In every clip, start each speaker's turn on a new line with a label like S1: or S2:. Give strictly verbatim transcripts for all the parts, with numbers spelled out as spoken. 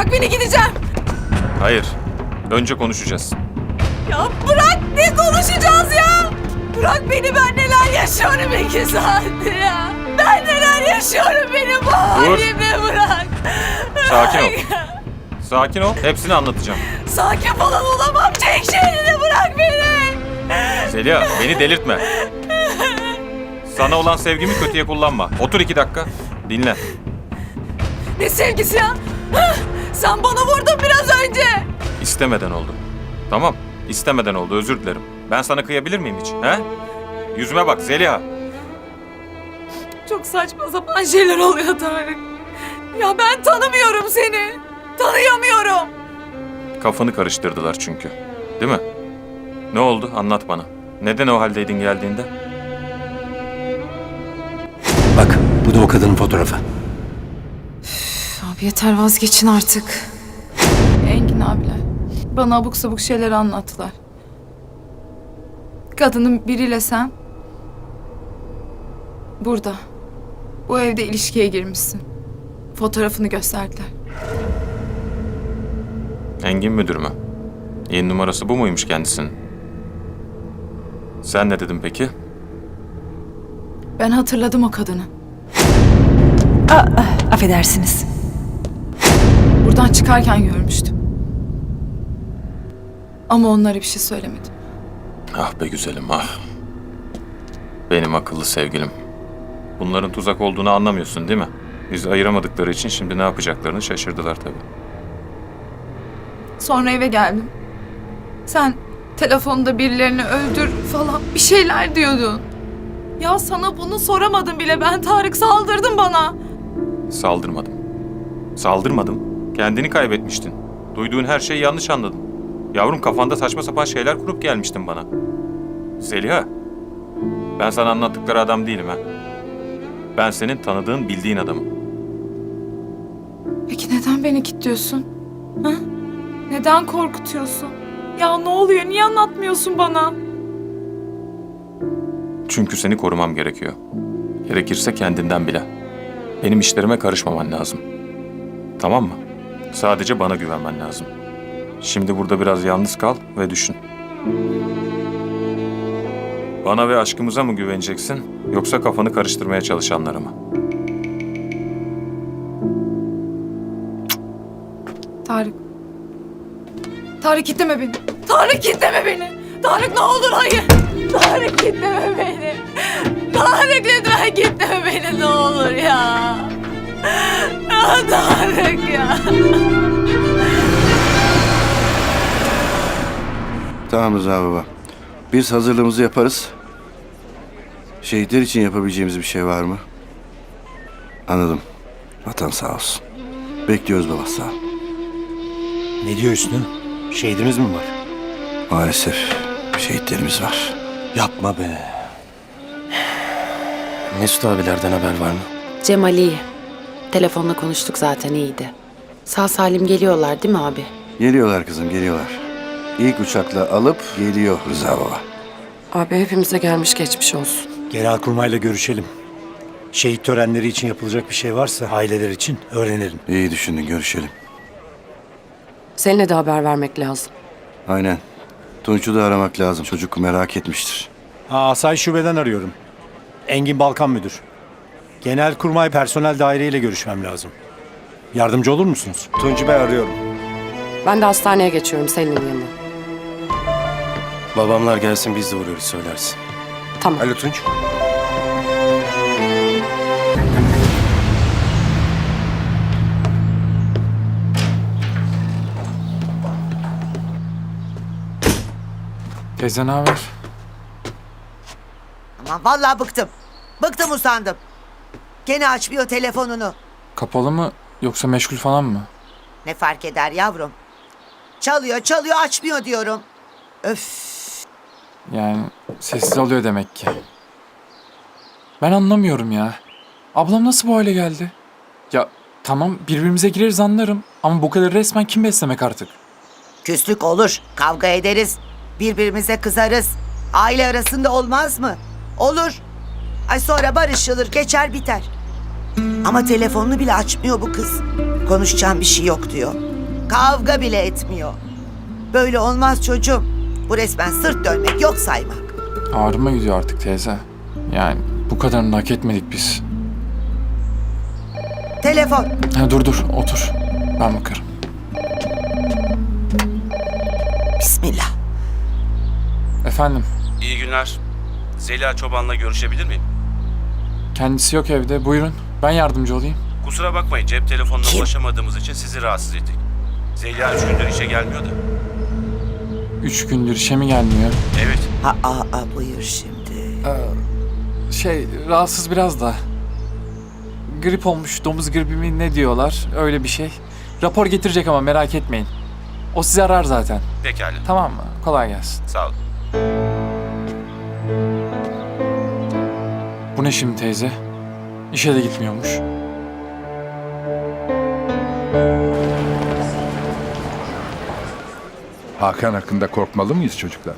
S1: bırak beni, gideceğim.
S2: Hayır. Önce konuşacağız.
S1: Ya bırak, ne konuşacağız ya? Bırak beni, ben neler yaşıyorum iki saattir ya. Ben neler yaşıyorum, benim bu halimle bırak.
S2: Sakin ol. Sakin ol. Hepsini anlatacağım.
S1: Sakin falan olamam. Çek şeyini, bırak beni.
S2: Zeliha, beni delirtme. Sana olan sevgimi kötüye kullanma. Otur iki dakika. Dinle.
S1: Ne sevgisi ya? Hah, sen bana vurdun biraz önce.
S2: İstemeden oldu. Tamam. İstemeden oldu. Özür dilerim. Ben sana kıyabilir miyim hiç? He? Yüzüme bak Zeliha.
S1: Çok saçma sapan şeyler oluyor Tarık. Ya ben tanımıyorum seni. Tanıyamıyorum.
S2: Kafanı karıştırdılar çünkü. Değil mi? Ne oldu? Anlat bana. Neden o haldeydin geldiğinde?
S3: Bak, bu da o kadının fotoğrafı.
S1: Abi yeter, vazgeçin artık. Engin abiler bana abuk sabuk şeyler anlattılar. Kadının biriyle sen burada, bu evde ilişkiye girmişsin. Fotoğrafını gösterdiler.
S2: Engin müdür mü? Yeni numarası bu muymuş kendisinin? Sen ne dedin peki?
S1: Ben hatırladım o kadını.
S4: Aa, affedersiniz.
S1: Buradan çıkarken görmüştüm. Ama onlara bir şey söylemedim.
S2: Ah be güzelim ah. Benim akıllı sevgilim. Bunların tuzak olduğunu anlamıyorsun değil mi? Bizi ayıramadıkları için şimdi ne yapacaklarını şaşırdılar tabii.
S1: Sonra eve geldim. Sen telefonda birilerini öldür falan bir şeyler diyordun. Ya sana bunu soramadım bile ben, Tarık, saldırdın bana.
S2: Saldırmadım. Saldırmadım. Kendini kaybetmiştin. Duyduğun her şeyi yanlış anladın. Yavrum, kafanda saçma sapan şeyler kurup gelmiştin bana. Zeliha, ben sana anlattıkları adam değilim ha. Ben senin tanıdığın, bildiğin adamım.
S1: Peki neden beni kilitliyorsun? Ha? Neden korkutuyorsun? Ya ne oluyor? Niye anlatmıyorsun bana?
S2: Çünkü seni korumam gerekiyor. Gerekirse kendinden bile. Benim işlerime karışmaman lazım. Tamam mı? Sadece bana güvenmen lazım. Şimdi burada biraz yalnız kal ve düşün. Bana ve aşkımıza mı güveneceksin, yoksa kafanı karıştırmaya çalışanlara mı?
S1: Tarık. Tarık, kitleme beni. Tarık, kitleme beni. Tarık, ne olur hayır. Tarık, kitleme beni. Tarık, lütfen kitleme beni, ne olur ya. Ya Tarık ya.
S3: Tamam Rıza baba. Biz hazırlığımızı yaparız. Şehitler için yapabileceğimiz bir şey var mı? Anladım. Vatan sağ olsun. Bekliyoruz baba, sağ ol.
S5: Ne diyor Hüsnü? Şehidimiz mi var?
S3: Maalesef şehitlerimiz var.
S5: Yapma be. Mesut abilerden haber var mı?
S6: Cemal iyi. Telefonla konuştuk zaten, iyiydi. Sağ salim geliyorlar değil mi abi?
S3: Geliyorlar kızım, geliyorlar. İlk uçakla alıp geliyor Rıza baba.
S6: Abi hepimize gelmiş geçmiş olsun.
S5: Genelkurmayla görüşelim. Şehit törenleri için yapılacak bir şey varsa aileler için öğrenelim.
S3: İyi düşündün, görüşelim.
S6: Seninle de haber vermek lazım.
S3: Aynen. Tunç'u da aramak lazım. Çocuk merak etmiştir.
S5: Ha, Asayiş Şube'den arıyorum. Engin Balkan Müdür. Genelkurmay personel daireyle görüşmem lazım. Yardımcı olur musunuz? Tunç'u ben arıyorum.
S6: Ben de hastaneye geçiyorum senin yanına.
S7: Babamlar gelsin, biz de uğruyoruz, söylersin.
S6: Tamam.
S7: Alo Tunç.
S8: Teyze ne haber?
S9: Aman vallahi bıktım. Bıktım, usandım. Gene açmıyor telefonunu.
S8: Kapalı mı yoksa meşgul falan mı?
S9: Ne fark eder yavrum? Çalıyor çalıyor, açmıyor diyorum. Öf.
S8: Yani sessiz alıyor demek ki. Ben anlamıyorum ya. Ablam nasıl bu hale geldi? Ya tamam, birbirimize gireriz anlarım ama bu kadar resmen kim beslemek artık?
S9: Küslük olur, kavga ederiz. Birbirimize kızarız. Aile arasında olmaz mı? Olur. Ay sonra barışılır, geçer biter. Ama telefonunu bile açmıyor bu kız. Konuşacağım bir şey yok diyor. Kavga bile etmiyor. Böyle olmaz çocuğum. Bu resmen sırt dönmek, yok saymak.
S8: Ağrıma gidiyor artık teyze. Yani bu kadarını hak etmedik biz.
S9: Telefon.
S8: Ha, dur dur otur. Ben bakarım.
S9: Bismillah.
S8: Efendim,
S7: İyi günler. Zeliha Çoban'la görüşebilir miyim?
S8: kendisi yok evde. Buyurun. Ben yardımcı olayım.
S7: Kusura bakmayın, cep telefonuna
S9: Kim?
S7: ulaşamadığımız için sizi rahatsız ettik. Zeliha üç gündür işe gelmiyor da.
S8: Üç gündür işe mi gelmiyor?
S7: Evet.
S9: Ha, aa, aa, buyur şimdi.
S8: Şey, rahatsız biraz da. Grip olmuş, domuz gribi mi ne diyorlar? Öyle bir şey. Rapor getirecek ama merak etmeyin. O sizi arar zaten.
S7: Pekala.
S8: Tamam mı? Kolay gelsin.
S7: Sağ olun.
S8: Bu ne şimdi teyze? İşe de gitmiyormuş.
S10: Hakan hakkında korkmalı mıyız çocuklar?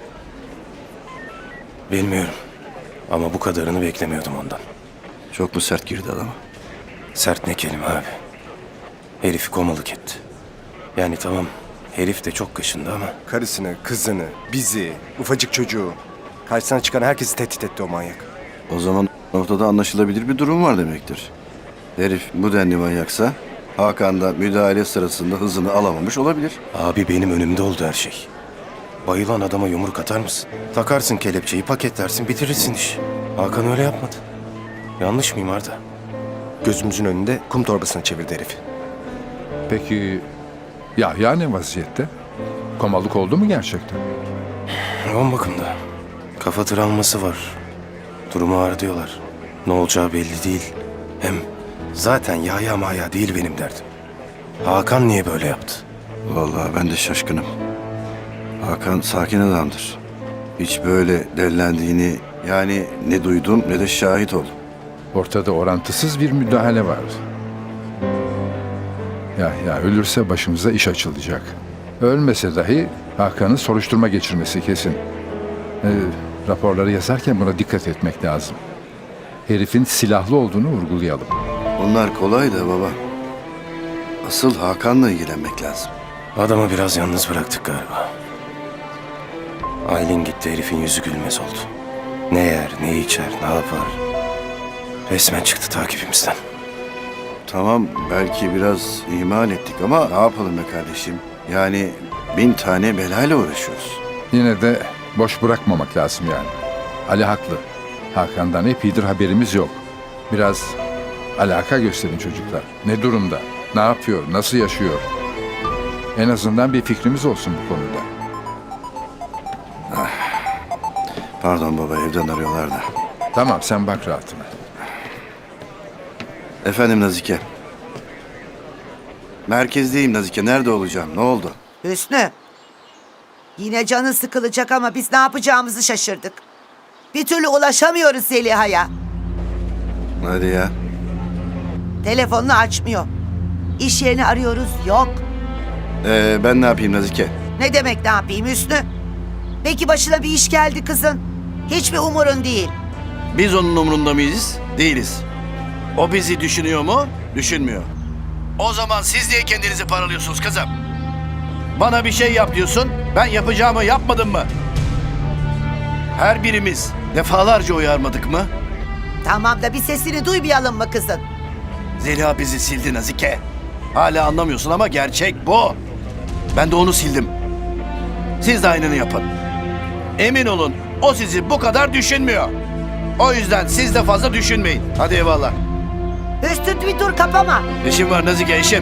S7: Bilmiyorum. Ama bu kadarını beklemiyordum ondan.
S3: Çok mu sert girdi adama?
S7: Sert ne kelime abi. Herifi komalık etti. Yani tamam, herif de çok kaşındı ama...
S11: Karısını, kızını, bizi, ufacık çocuğu. Karşısına çıkan herkesi tehdit etti o manyak.
S3: O zaman ortada anlaşılabilir bir durum var demektir. Herif bu denli manyaksa Hakan da müdahale sırasında hızını alamamış olabilir.
S7: Abi benim önümde oldu her şey. Bayılan adama yumruk atar mısın? Takarsın kelepçeyi, paketlersin, bitirirsin iş. Hakan öyle yapmadı. Yanlış mıyım Arda?
S11: Gözümüzün önünde kum torbasına çevirdi herif.
S10: Peki Yahya ne vaziyette? Komalık oldu mu gerçekten?
S7: Yoğun bakımda. Kafa travması var. Durumu ağır diyorlar. Ne olacağı belli değil. Hem zaten Yahya maya değil benim derdim. Hakan niye böyle yaptı?
S3: Vallahi ben de şaşkınım. Hakan sakin adamdır. Hiç böyle dellendiğini yani ne duydum ne de şahit oldum.
S10: Ortada orantısız bir müdahale var. Yahya ölürse başımıza iş açılacak. Ölmese dahi Hakan'ın soruşturma geçirmesi kesin. Ee, raporları yazarken buna dikkat etmek lazım. Herifin silahlı olduğunu vurgulayalım.
S3: Bunlar kolay da baba. Asıl Hakan'la ilgilenmek lazım.
S7: Adamı biraz yalnız bıraktık galiba. Aylin gitti, herifin yüzü gülmez oldu. Ne yer, ne içer, ne yapar? Resmen çıktı takibimizden.
S3: Tamam belki biraz ihmal ettik ama ne yapalım be kardeşim? Yani bin tane belayla uğraşıyoruz.
S10: Yine de boş bırakmamak lazım yani. Ali haklı. Hakan'dan epeydir haberimiz yok. Biraz alaka gösterin çocuklar. Ne durumda? Ne yapıyor? Nasıl yaşıyor? En azından bir fikrimiz olsun bu konuda.
S3: Pardon baba evden arıyorlar da.
S10: Tamam sen bak rahatına.
S3: Efendim Nazike. Merkezdeyim Nazike. Nerede olacağım? Ne oldu?
S9: Hüsnü. Yine canı sıkılacak ama biz ne yapacağımızı şaşırdık. Bir türlü ulaşamıyoruz Zeliha'ya.
S3: Hadi ya.
S9: Telefonunu açmıyor. İş yerini arıyoruz, yok.
S3: Ee, ben ne yapayım Nazike?
S9: Ne demek ne yapayım Hüsnü? Peki başına bir iş geldi kızın. Hiçbir umurun değil.
S3: Biz onun umurunda mıyız? Değiliz. O bizi düşünüyor mu? Düşünmüyor. O zaman siz niye kendinizi paralıyorsunuz kızım? Bana bir şey yap diyorsun, ben yapacağımı yapmadım mı? Her birimiz defalarca uyarmadık mı?
S9: Tamam da bir sesini duymayalım mı kızın?
S3: Zeliha bizi sildi Nazike. Hala anlamıyorsun ama gerçek bu. Ben de onu sildim. Siz de aynını yapın. Emin olun o sizi bu kadar düşünmüyor. O yüzden siz de fazla düşünmeyin. Hadi eyvallah.
S9: Hüsnü bir dur kapama.
S3: İşim var Nazike işim.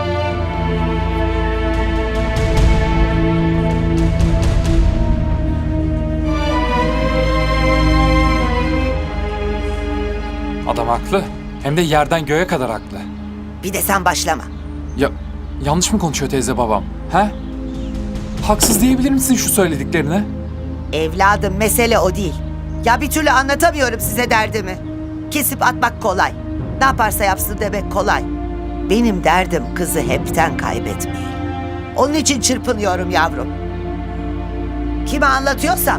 S8: Adam haklı. Hem de yerden göğe kadar haklı.
S9: Bir de sen başlama.
S8: Ya yanlış mı konuşuyor teyze babam? He? Haksız diyebilir misin şu söylediklerine?
S9: Evladım mesele o değil. Ya bir türlü anlatamıyorum size derdimi. Kesip atmak kolay. Ne yaparsa yapsın demek kolay. Benim derdim kızı hepten kaybetmeyi. Onun için çırpınıyorum yavrum. Kime anlatıyorsam.